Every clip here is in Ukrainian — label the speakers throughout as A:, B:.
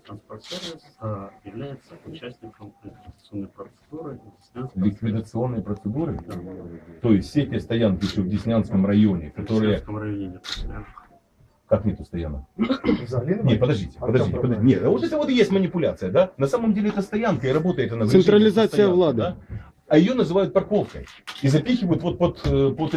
A: Киевтранспортсервис является участником ликвидационной процедуры.
B: Ликвидационные процедуры? То есть все те стоянки еще в Деснянском районе,
A: В
B: которые...
A: Деснянском районе нет стоянок.
B: Как нету стоянок? Нет, подождите. Нет, вот это вот и есть манипуляция, да? На самом деле это стоянка и работает она в режиме
C: Централизация
B: стоянки,
C: влады.
B: да? А ее называют парковкой и запихивают вот под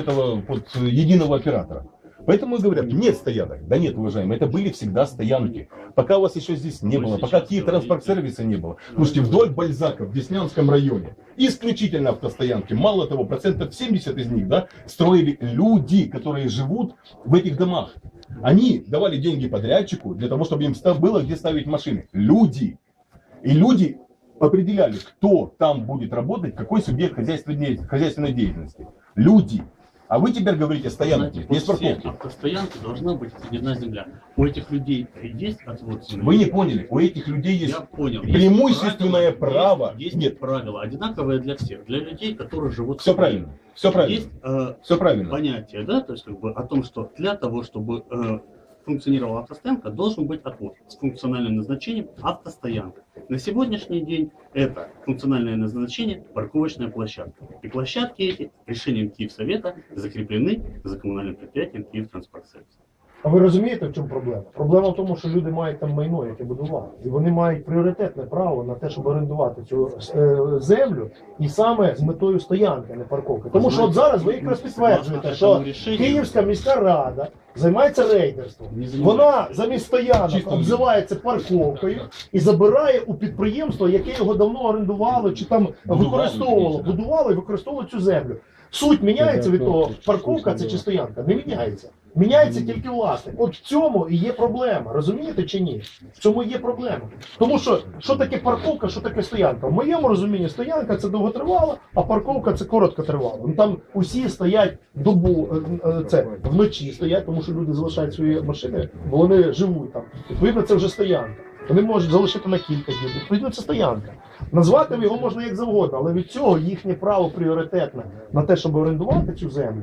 B: единого оператора. Поэтому и говорят, нет стоянок. Да нет, уважаемые, это были всегда стоянки. Пока у вас еще здесь не было, пока Киевтранспортсервиса не было. Слушайте, вдоль Бальзака в Деснянском районе исключительно автостоянки. Мало того, 70% из них, да, строили люди, которые живут в этих домах. Они давали деньги подрядчику для того, чтобы им было где ставить машины. Люди. И люди определяли, кто там будет работать, какой субъект хозяйственной деятельности. Люди. А вы теперь говорите, стоянки, есть парковки.
A: Автостоянки должна быть отведена земля. У этих людей есть отвод земли?
B: Вы не поняли, у этих людей есть
A: Я понял.
B: преимущественное право.
A: Есть
B: Нет,
A: правила, одинаковые для всех. Для людей, которые живут...
B: все правильно. Все правильно.
A: Есть
B: Все правильно.
A: понятие, да, то есть как бы о том, что для того, чтобы функционировала автостоянка, должен быть отвод с функциональным назначением автостоянка. На сегодняшний день это функциональное назначение парковочная площадка. И площадки эти решением Киевсовета закреплены за коммунальным предприятием Киевтранспортсервис.
D: А ви розумієте, в чому проблема? Проблема в тому, що люди мають там майно, яке будували. І вони мають пріоритетне право на те, щоб орендувати цю землю, і саме з метою стоянки, а не парковки. Тому що от зараз ви якраз підтверджуєте, що Київська міська рада займається рейдерством. Вона замість стоянок обзивається парковкою і забирає у підприємства, яке його давно орендувало чи там використовувало, будувало і використовувало цю землю. Суть міняється від того, парковка це чи стоянка? Не міняється. Міняється тільки власник. От в цьому і є проблема. Розумієте чи ні? В цьому і є проблема. Тому що таке парковка, що таке стоянка? В моєму розумінні стоянка це довготривала, а парковка це короткотривала. Ну там усі стоять добу, це вночі стоять, тому що люди залишають свої машини, бо вони живуть там. Відповідно, це вже стоянка. Вони можуть залишити на кілька днів. Відповідно, це стоянка. Назвати його можна як завгодно, але від цього їхнє право пріоритетне на те, щоб орендувати цю землю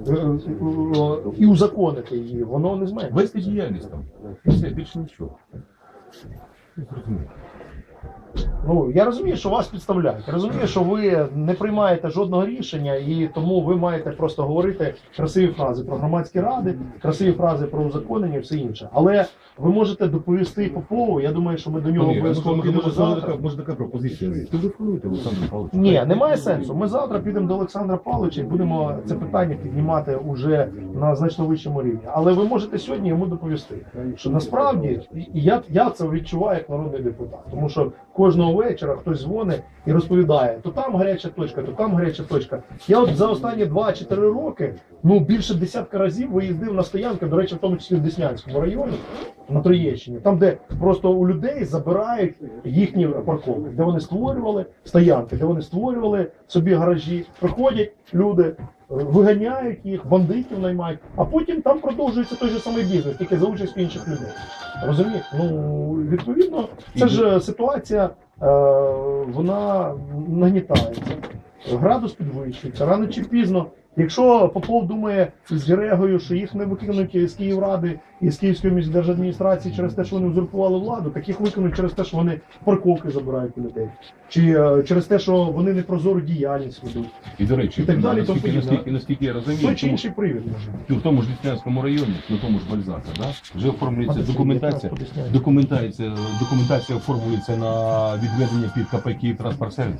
D: і узаконити її, воно не зменшується.
B: Вести діяльність там. Все, більше нічого.
D: Ну, я розумію, що вас підставляють. Я розумію, що ви не приймаєте жодного рішення, і тому ви маєте просто говорити красиві фрази про громадські ради, красиві фрази про узаконення і все інше. Але ви можете доповісти Попову, я думаю, що ми до нього обов'язково підемо завтра.
B: Може така пропозиція. Телефонуйте Олександру Павловичу.
D: Ні, немає сенсу. Ми завтра підемо до Олександра Павловича і будемо це питання піднімати уже на значно вищому рівні. Але ви можете сьогодні йому доповісти, що насправді, і я це відчуваю як народний депутат, тому що кожного вечора хтось дзвонить і розповідає, то там гаряча точка, то там гаряча точка. Я от за останні 2-4 роки, більше десятка разів виїздив на стоянки, до речі, в тому числі в Деснянському районі, на Троєщині, там, де просто у людей забирають їхні парковки, де вони створювали стоянки, де вони створювали собі гаражі, приходять люди, виганяють їх, бандитів наймають, а потім там продовжується той же самий бізнес, тільки за участю інших людей. Розумієте? Ну, відповідно, це ж ситуація, вона нагнітається, градус підвищується, рано чи пізно. Якщо Попов думає з Герегою, що їх не викинуть з Київради і з Київської міськдержадміністрації через те, що вони узурпували владу, так їх викинуть через те, що вони парковки забирають у людей. Чи через те, що вони непрозору діяльність ведуть.
B: І, до речі,
D: і так далі,
B: наскільки я розумію,
D: той чи інший привід може.
B: в тому ж Деснянському районі, на тому ж Бальзака, да, вже оформлюється документація оформлюється на відведення під КП «Київтранспортсервіс».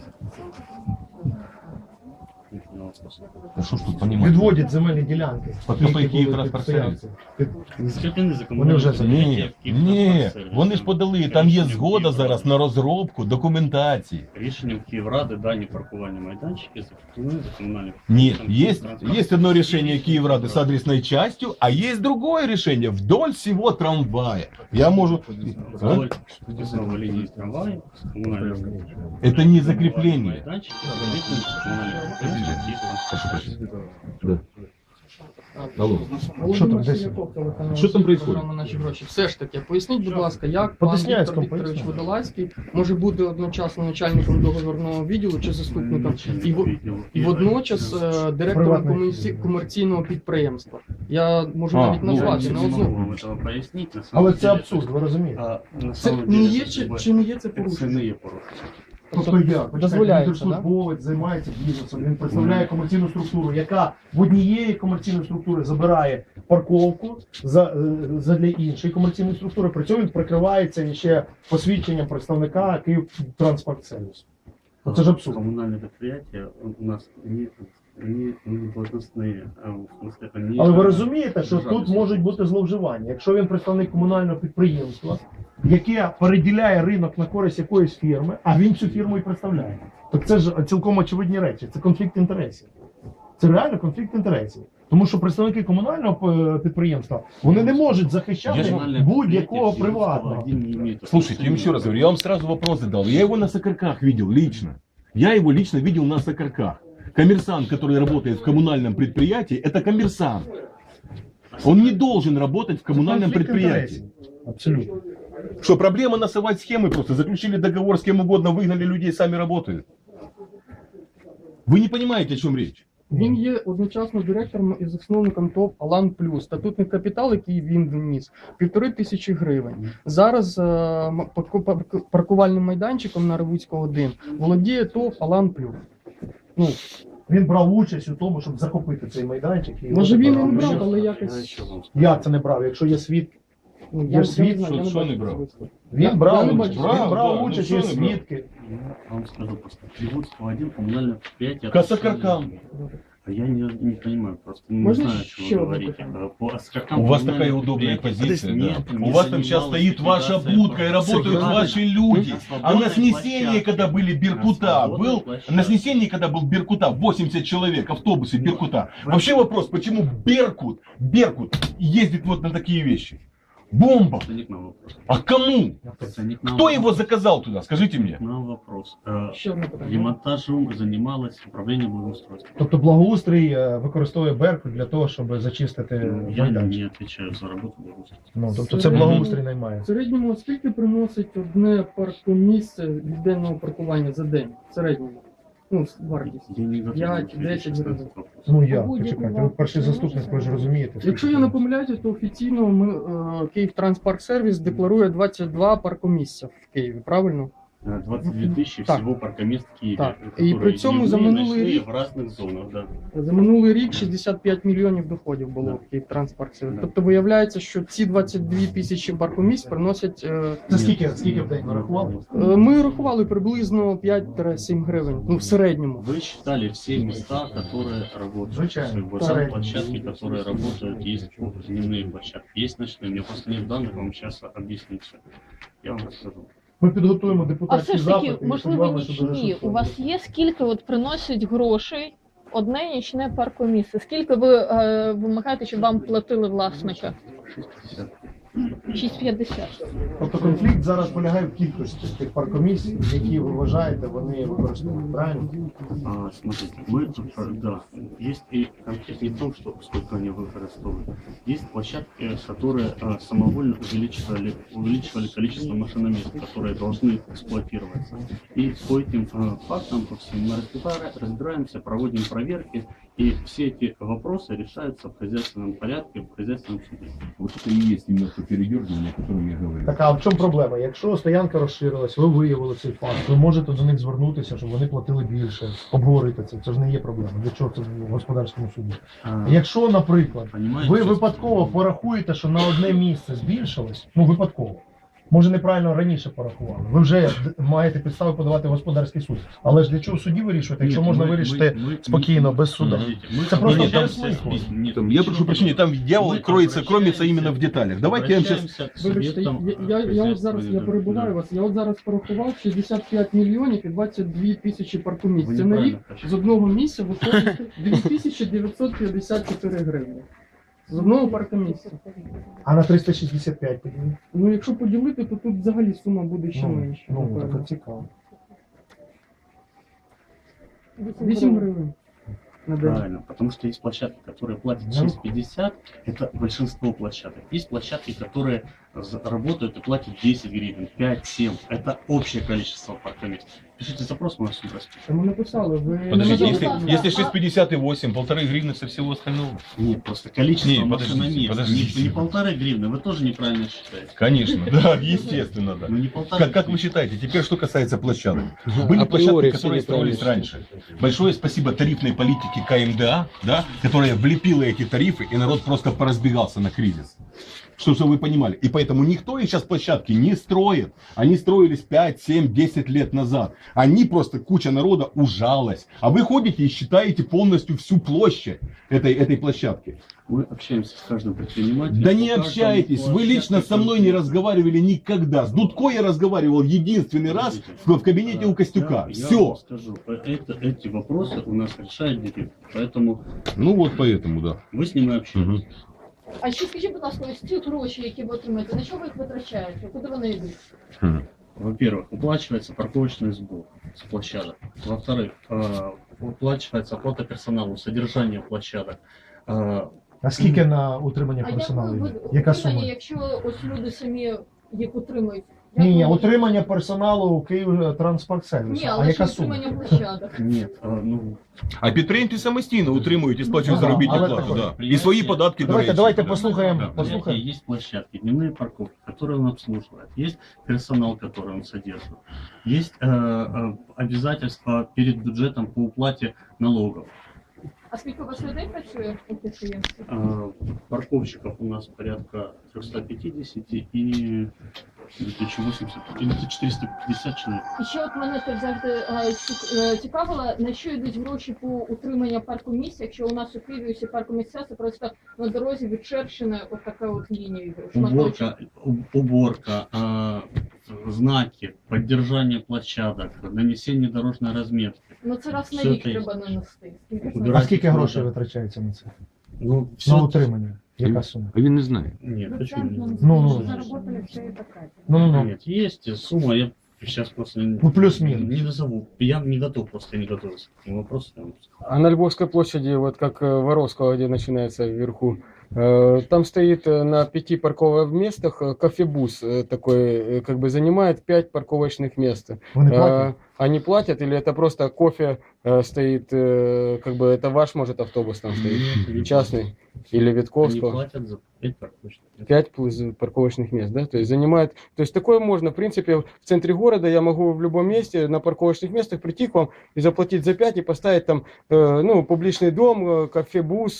B: Що ж тут понімати?
D: Відводять земельні ділянки.
B: По КП «Київтранспортсервіс».
A: Закріплені за
D: Вони вже
A: комунальним
B: Ні, вони ж подали, там є згода зараз на розробку документації.
A: Рішенням Київради дані паркувальні майданчики закріплені за комунальним.
B: Нет, есть одно решение Киеврады с адресной частью, а есть другое решение вдоль всего трамвая. Я могу...
A: Вдоль линии трамвая, коммунального.
B: Это не закрепление.
A: Майданчики закріплені за комунальним.
B: Да. Алло.
D: Що там,
C: Володимир
D: десь?
C: Сіляков, телеканал
B: Що там происходит?
C: програма «Наші гроші». Все ж таки, поясніть, будь ласка, як пан
D: Потисняцькому
C: Віктор Вікторович
D: поясніть.
C: Водолазький може бути одночасно начальником договірного відділу чи заступником і водночас директором
D: Приватний.
C: комерційного підприємства. Я можу
B: А,
C: навіть
B: ну,
C: назвати
A: Я
C: не
A: не
C: одну.
A: могу вам этого пояснить. На самом
D: Але це
A: деле,
D: абсурд, ви розумієте?
A: на
C: Це
A: самом
C: не
A: деле,
C: є
A: это как бы
C: чи не є це порушення?
A: Це не є порушення.
D: Тобто як?
C: дозволяється,
D: Він
C: да?
D: держслужбовець, займається бізнесом, він представляє комерційну структуру, яка в однієї комерційної структури забирає парковку для іншої комерційної структури, при цьому він прикривається ще посвідченням представника Київтранспортсервісу. Це ж абсурд.
A: Коммунальные предприятия у нас не должностные, в смысле, они...
D: Але ви розумієте, що
A: державні
D: тут можуть бути зловживання. Якщо він представник комунального підприємства, яке переділяє ринок на користь якоїсь фірми, а він цю фірму і представляє, то це ж цілком очевидні речі. Це конфлікт інтересів. Це реально конфлікт інтересів. Тому що представники комунального підприємства вони не можуть захищати
A: Коммунальные
D: будь-якого
A: предприятия
D: приватного.
A: один не имеют
B: Слушайте, я вам еще раз говорю, я вам сразу вопрос задал. Я его на Сокарках видел лично. Я его лично видел на Сокарках. Коммерсант, который работает в коммунальном предприятии, это коммерсант. Он не должен работать в коммунальном
D: Конфлікт
B: предприятии.
D: інтересів. Абсолютно.
B: Что, проблема насовать схемы просто? Заключили договор с кем угодно, выгнали людей, сами работают. Вы не понимаете, о чем речь.
C: Він є одночасно директором і засновником ТОВ «Алан Плюс». Статутний капітал, який він вніс, 1500 гривень. Зараз паркувальним майданчиком на Ревуцького 1 володіє ТОВ «Алан Плюс». Ну,
D: Він брав участь у тому, щоб захопити цей майданчик. І
C: може він і не
D: брав.
C: брав, але
A: Я
C: якось...
A: еще вам скажу.
D: Як це не брав? Якщо є свідки.
C: Ну,
D: Я ж світ,
C: знаю, я
B: що
C: бачу
B: не брав?
C: особисто.
D: Він
C: Я
D: брав,
C: не
D: він
C: бачу.
B: Брав,
D: брав
B: да,
D: участь,
B: ну
D: є
B: що не брав?
D: свідки.
A: Я вам скажу просто. Приводство один коммунальное предприятие...
B: К Сокаркам.
A: А я не понимаю просто. Не
C: Можно
A: знаю, о
C: еще
A: чем вы
C: одно
A: говорите.
C: питание?
A: По Оскаркам
B: У вас
A: коммунальное
B: такая удобная
A: предприятие
B: позиция,
A: нет,
B: да.
A: не
B: У вас там сейчас
A: занималось
B: стоит ваша
A: ликвидацией
B: будка и работают
A: свободной-
B: ваши люди.
A: на
B: А на
A: свободной
B: снесении,
A: площадке.
B: когда были Беркута,
A: На свободной
B: был,
A: площадке.
B: на снесении, когда был Беркута, 80 человек, автобусы Беркута. Вообще вопрос, почему Беркут ездит вот на такие вещи? Бомба!
A: Это не к нам вопрос.
B: А кому?
A: Это не к нам
B: Кто
A: вопрос.
B: его заказал туда, скажите мне?
A: К нам вопрос.
C: Ще одне питання.
A: Демонтажом занималось управление благоустройства.
D: Тобто благоустрій використовує Беркут для того, щоб зачистити
A: Я
D: майданчик.
A: не отвечаю за работу благоустройства.
D: Ну, тобто це благоустрій наймає.
C: В середньому скільки приносить одне паркомісце від денного паркування за день? В середньому. Ну, вартість.
A: Я не готов
C: 5-10
A: ответить сейчас на
C: гривен.
A: этот вопрос.
D: Ну як,
E: Будь-який
D: почекайте, ви
E: вам
D: перший
E: не
D: заступник,
E: можна.
D: ви ж розумієте.
C: Якщо я не помиляюся, то офіційно Київтранспарксервіс декларує 22 паркомісця в Києві, правильно?
A: 22 тысячи
C: Так.
A: всего паркомест в Киеве.
C: Так.
A: которые
C: И при цьому за
A: дневные,
C: минулый
A: ночные,
C: рік-
A: в разных зонах, да.
C: За минулий рік 65 мільйонів доходів було в Київтранспарксервіс. Тобто виявляється, що ці 22 тисячі паркомісць приносять...
D: Це скільки в день нарахували?
C: Ми рахували приблизно 5-7 гривень, ну в середньому.
A: Вы считали все места, которые работают.
D: Звичайно.
A: Вот там площадки, которые работают, есть дневные площадки, есть ночные. Мне просто нет данных, вам сейчас объяснить все. Я вам расскажу.
D: Ми підготуємо
E: А
D: депутатські
E: все ж таки,
D: запити. і
E: можливо,
D: сподіваємося, що дуже
E: нічні.
D: швидко.
E: У вас є скільки от приносить грошей одне нічне паркомісце? Скільки ви вимагаєте, щоб вам платили власника?
A: 60.
E: 6,50.
D: Тобто конфлікт зараз полягає в кількості тих паркомісій, які ви вважаєте, вони використовують. Правильно?
A: Смотрите, мы тут, да, есть и конфликт не в том, что сколько они выкористовывают. Есть площадки, которые самовольно увеличивали количество машиномест, которые должны эксплуатироваться. И по этим фактам, по всем мы разбираемся, проводим проверки, и все эти вопросы решаются в хозяйственном порядке, в хозяйственном суде.
B: Вот это и есть именно то передергивание, о котором я говорю.
D: Так, а в чому проблема? Якщо стоянка розширилась, ви виявили цей факт, ви можете до них звернутися, щоб вони платили більше, обговорити це. Це ж не є проблема. Для чого це в господарському суді? Якщо, наприклад,
A: Понимаете,
D: ви
A: сейчас-
D: випадково порахуєте, що на одне місце збільшилось, ну випадково. Може, неправильно раніше порахували. Ви вже маєте підстави подавати в господарський суд. Але ж для чого в суді вирішувати, якщо
A: Нет,
D: можна
A: мы-
D: вирішити
A: мы-
D: спокійно, без суда?
A: Подождите, мы
D: Это просто
A: обращаемся
D: для
A: с
D: смысла.
A: письмом. Нет,
B: Там, я
A: ничего
B: прошу прощения, там дьявол
A: Мы
B: кроется
A: обращаемся-
B: именно в деталях. Давайте я вам сейчас...
A: обращаемся к
C: Вибачте,
A: субъектам
C: я от зараз я перебуваю вас. Я от зараз порахував 65 мільйонів і 22 тисячі паркомісць.
A: Ви
C: Це на рік
A: неправильно кажете.
C: з одного місця виходить 2954 гривні. З одного паркомісця.
D: А на 365 тоді?
C: Ну якщо поділити, то тут взагалі сума буде ще менша.
D: Ну,
C: напевно.
D: так цікаво.
C: 8 гривень. на день?
A: Правильно, потому что есть площадки, которые платят 6,50, это большинство площадок. Есть площадки, которые работают и платят 10 гривен, 5, 7, это общее количество паркомест. Пишите запрос, мы вас сюда спишем.
C: Ми написали, ви не
B: Подождите,
C: назвали.
B: если 6,58, 1,5 гривны со всего остального.
A: Нет, просто количество
B: Не,
A: машин на
B: подождите,
A: место.
B: подождите.
A: Не 1,5 гривны, вы тоже неправильно считаете.
B: Конечно, да, естественно, да.
A: Ну не 1,5.
B: Как вы считаете, теперь что касается площадок? Были
F: Априори
B: площадки,
F: все
B: которые строились
F: неправильно
B: раньше. Большое спасибо тарифной политике КМДА, да, которая влепила эти тарифы, и народ просто поразбегался на кризис. Чтобы вы понимали. И поэтому никто их сейчас площадки не строит. Они строились 5, 7, 10 лет назад. Они просто, куча народа ужалась. А вы ходите и считаете полностью всю площадь этой площадки.
A: Мы общаемся с каждым предпринимателем.
B: Да не
A: По каждому
B: общаетесь, вы
A: площадке
B: лично со мной не
A: конкретно.
B: разговаривали никогда. С Дудко я разговаривал единственный раз в кабинете у Костюка.
A: Я
B: Все.
A: вам скажу, эти вопросы у нас решает директор. Поэтому
B: Ну вот поэтому, да.
A: вы с ним и общаетесь.
E: А ще скажіть, будь ласка, ось ці гроші, які ви отримаєте, на що ви їх витрачаєте? Куди вони йдуть?
A: Во-первых, уплачивается парковочный сбор с площадок. Во-вторых, уплачивается оплата персоналу, содержание площадок.
D: А скільки на утримання
E: А як
D: персоналу
E: ви
D: йде? Яка
E: утримання,
D: сума?
E: якщо ось люди самі їх утримують? Як
D: Ні,
E: ви-
D: утримання персоналу Київ Транспорт Сервісу.
E: Ні,
D: А
E: але ж
D: яка сума?
E: утримання площадок.
A: Нет, ну,
B: А підприємці самостійно утримують і сплачують
D: Ну,
B: заробітну
D: але
B: плату.
D: так,
B: Да. І свої податки, до
D: Давайте,
B: речі.
D: давайте
B: Да.
D: послухаємо.
B: Да.
A: Послушайте, есть площадки, дневные парковки, которые он обслуживает, есть персонал, который он содержит, есть обязательства перед бюджетом по уплате налогов.
E: А скільки у вас людей працює у підприємстві?
A: Парковщиков у нас порядка 350 и 2080 или 450 человек.
E: І ще от мене теж завжди цікавило, на що йдуть гроші по утриманню паркомісць, якщо у нас у Києві усі паркомісця, це просто на дорозі відчерчена от така от лінія.
A: Уборка, знаки, поддержание площадок, нанесение дорожной разметки.
E: Ну це раз на
A: Все
E: рік
A: це є.
E: треба нанести. Скільки це?
A: Убирать
D: А скільки
A: надо.
D: грошей витрачається на це?
A: Ну, все...
D: На утримання? Яка сума?
F: А він не знає.
A: Нет, почему нет?
D: Ну, ну.
A: Нет, есть сумма, я сейчас просто
D: Ну, плюс-минус.
A: не назову. Я не готов, просто не готовился к этому вопросу. я вам скажу.
F: А на Львовской площади, вот как Воровского, где начинается вверху, там стоит на 5 парковых местах кофебус такой, как бы занимает 5 парковочных мест.
D: Вони платять?
F: Они платят или это просто кофе стоит, как бы это ваш, может, автобус там стоит?
A: Нет, не
F: Частный? Или
A: Они
F: Витковского?
A: платят за 5 парковочных.
F: 5 парковочных мест, да, то есть занимает, то есть такое можно, в принципе, в центре города я могу в любом месте на парковочных местах прийти к вам и заплатить за 5 и поставить там, ну, публичный дом, кафе-бус,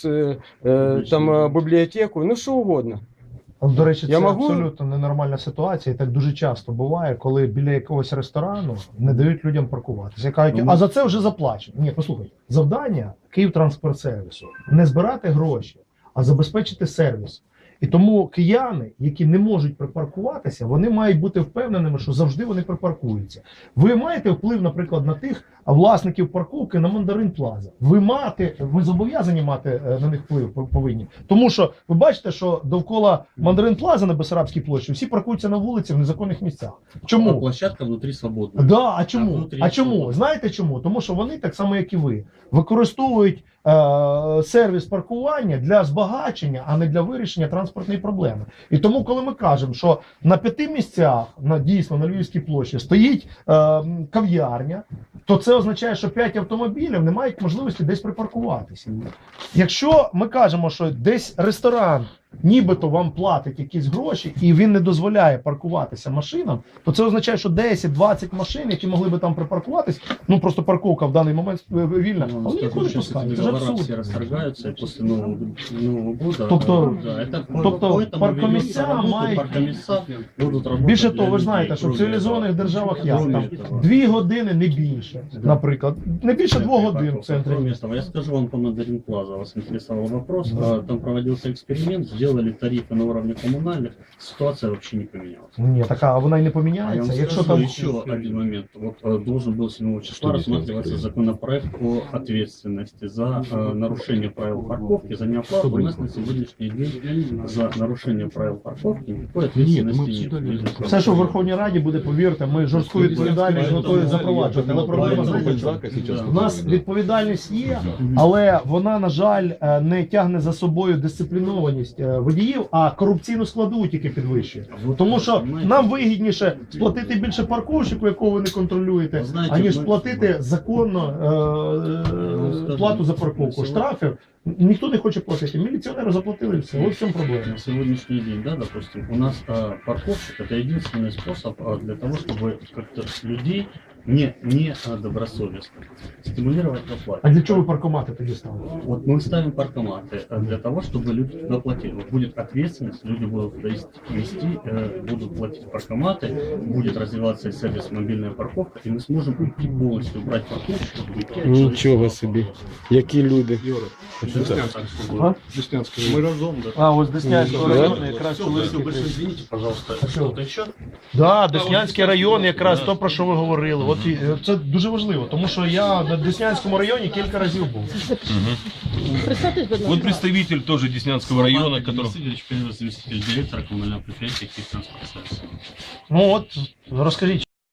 F: там библиотеку, ну, что угодно.
D: До речі,
F: Я
D: це
F: можу-
D: абсолютно ненормальна ситуація, і так дуже часто буває, коли біля якогось ресторану не дають людям паркуватися. Кажуть, а за це вже заплачено. Ні, послухай, завдання Київтранспортсервісу не збирати гроші, а забезпечити сервіс. І тому кияни, які не можуть припаркуватися, вони мають бути впевненими, що завжди вони припаркуються. Ви маєте вплив, наприклад, на тих власників парковки на Мандарин Плаза. Ви зобов'язані мати на них вплив повинні. Тому що ви бачите, що довкола Мандарин Плаза на Бессарабській площі всі паркуються на вулиці в незаконних місцях.
A: А
D: Чому?
A: площадка внутри свободна.
D: Да, а
A: А
D: чому?
A: внутрі
D: А чому?
A: свобода.
D: Знаєте чому? Тому що вони, так само як і ви, використовують сервіс паркування для збагачення, а не для вирішення транспортної проблеми. І тому, коли ми кажемо, що на 5 місцях, дійсно на Львівській площі, стоїть кав'ярня, то це означає, що 5 автомобілів не мають можливості десь припаркуватися. Якщо ми кажемо, що десь ресторан нібито вам платить якісь гроші і він не дозволяє паркуватися машинам, то це означає, що 10-20 машин, які могли би там припаркуватись, ну просто парковка в даний момент вільна,
A: Ну,
D: а вони
A: скажу,
D: ніколи не
A: сейчас
D: пускають.
A: эти
D: Це ж
A: договора
D: абсурд.
A: все расторгаются, и после Нового года...
D: Тобто-
A: да, это,
D: тобто
A: поэтому
D: паркомісця
A: ведется работа,
D: мають-
A: паркомісця будуть работать
D: Більше
A: для
D: того, ви ж
A: людей,
D: знаєте, що в
A: кроме
D: цивілізованих
A: этого.
D: державах як
A: Кроме
D: там
A: этого.
D: 2 години, не більше, наприклад. Не більше 2 годин в центрі.
A: Кроме этого, я скажу вам по Мандарин Плаза, вас интересовал вопрос. Там проводился эксперимент, сделали сделали тарифы на уровне коммунальных, ситуация вообще не поменялась.
D: Ні, така, а вона й не
A: А я
D: поміняється.
A: вам
D: Якщо
A: скажу
D: там
A: еще один момент. Вот должен был 7 числа рассматриваться законопроект о ответственности за нарушение правил парковки, за неоплату. У нас на сегодняшний день за нарушение правил парковки никакой ответственности нет.
D: все, що в Верховній Раді буде, повірте, ми жорстку відповідальність готові запроваджувати. Але проблема знаєте, в чому? У нас відповідальність є, але вона, на жаль, не тягне за собою дисциплінованість водіїв, а корупційну складову тільки підвищує. Тому що нам вигідніше сплатити більше парковщику, якого ви не контролюєте, аніж платити законно плату за парковку. Штрафів ніхто не хоче платити. Міліціонери заплатили все. Ось в цьому проблема.
A: На сегодняшний день, да, допустим, у нас парковщик это единственный способ для того, чтобы как-то людей не добросовестно стимулировать к оплате.
D: А для чого ви паркомати тоді ставили?
A: Вот мы ставим паркоматы для того, чтобы люди туда платили. Вот будет ответственность, люди будут туда вести, будут платить паркоматы, будет развиваться сервис мобильная парковка, и мы сможем уйти полностью, убрать парковщиков, уйти от
F: Нічого
A: человеческого
F: собі. Які люди.
D: А?
A: Мы разом, да.
D: А, ось Деснянського району якраз
A: Все, больше извините, пожалуйста. Что-то еще?
D: Да, Деснянський район, якраз то, про що ви говорили. От це дуже важливо, тому що я на Деснянському районі кілька разів був.
E: Представтесь, будь
B: Вот
E: ласка.
B: представитель тоже Деснянского района,
A: Денис
B: который...
A: Васильевич, первый заместитель директора коммунального предприятия «Киев транспорт сервис».
D: Ну от, розкажіть.